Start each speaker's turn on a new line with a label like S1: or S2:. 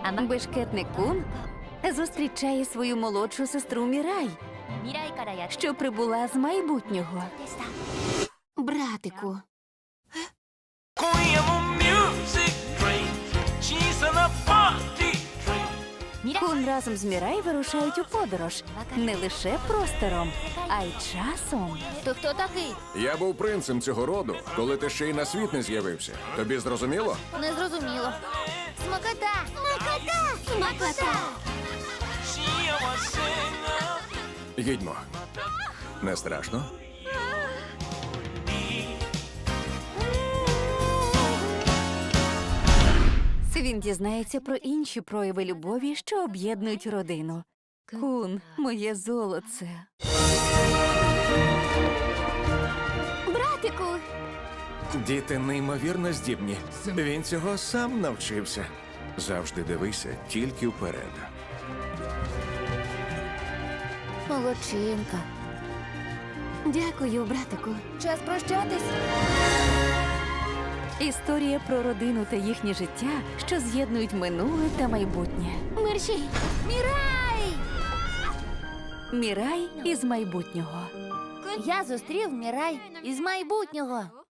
S1: Бешкетник Кун зустрічає свою молодшу сестру Мірай, що прибула з майбутнього.
S2: Братику,
S3: 今夜もミュージックレイン小さなパーティー
S1: Кун разом з Мірай вирушають у подорож не лише простором, а й часом.
S2: ти хто такий?
S4: Я був принцем цього роду, коли ти ще й на світ не з'явився. Тобі зрозуміло?
S2: Не зрозуміло. Смакота! Смакота! Смакота!
S3: 幸せな
S4: Їдьмо. Не страшно?
S1: Він дізнається про інші прояви любові, що об'єднують родину. Кун, моє золоце.
S2: Братику!
S4: Діти неймовірно здібні. Він цього сам навчився. Завжди дивися тільки вперед.
S2: Молодчинка.
S1: Дякую, братику.
S2: Час прощатись.
S1: Історія про родину та їхнє життя, що з'єднують минуле та майбутнє.
S2: Мерші! Мірай!
S1: Мірай із майбутнього.
S2: Я зустрів Мірай із майбутнього.